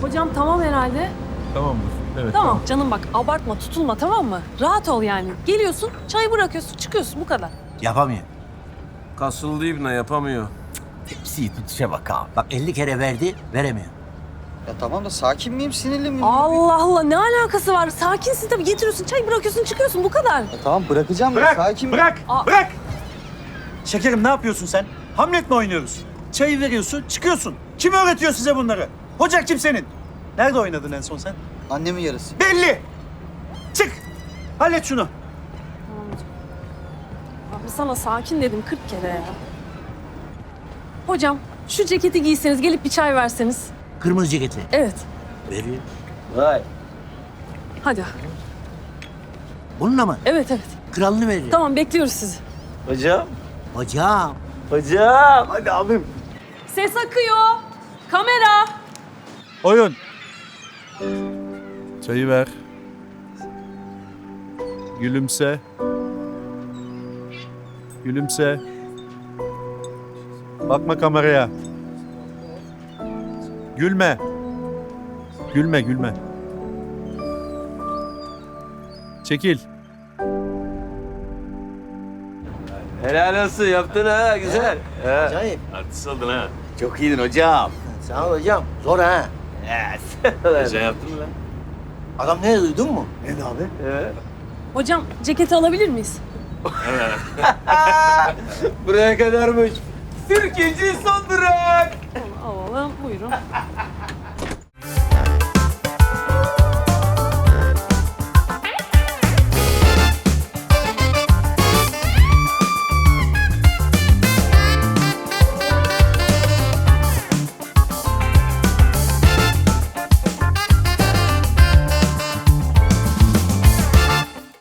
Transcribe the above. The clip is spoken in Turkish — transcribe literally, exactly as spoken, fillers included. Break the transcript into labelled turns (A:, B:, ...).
A: Hocam tamam herhalde.
B: Tamamdır. Evet.
A: Tamam canım bak abartma tutulma tamam mı? Rahat ol yani. Geliyorsun çayı bırakıyorsun çıkıyorsun bu kadar.
C: Yapamıyor.
D: Kasıldı ibne yapamıyor.
C: Tepsiyi tutuşa bak ha. Bak elli kere verdi, veremiyor.
E: Ya tamam da sakin miyim, sinirli miyim?
A: Allah Allah ne alakası var? Sakinsin tabii getiriyorsun çayı bırakıyorsun çıkıyorsun bu kadar.
E: Ya tamam bırakacağım
F: Bırak,
E: da sakin
F: bırak,
A: Aa.
F: bırak! Şekerim ne yapıyorsun sen? Hamlet mi oynuyoruz? Çayı veriyorsun, çıkıyorsun. Kim öğretiyor size bunları? Hoca kim senin? Nerede oynadın en son sen?
E: Annemin yarısı.
F: Belli! Çık! Hallet şunu.
A: Abi sana sakin dedim kırk kere ya. Hocam şu ceketi giyseniz gelip bir çay verseniz.
C: Kırmızı ceketi.
A: Evet
C: Veriyor.
E: Vay.
A: hadi.
C: Bununla mı?
A: Evet evet.
C: Kralını veriyor.
A: Tamam bekliyoruz sizi.
E: Hocam,
C: Hocam.
E: hocam. Hadi abim.
A: Ses akıyor. Kamera.
F: Oyun.
B: Çayı ver. Gülümse. Gülümse. Bakma kameraya. Gülme. Gülme, gülme. Çekil.
D: Helal olsun yaptın ha güzel. Ha.
C: Acayip.
D: Artist oldun ha.
C: Çok iyiydin hocam. Sağ ol hocam. Zor ha.
D: Güzel yaptın lan.
C: Adam ne duydun mu?
E: Ne abi?
A: Hocam ceketi alabilir miyiz?
D: Buraya kadarmış. Sirkeci son durak.
A: Alalım buyurun.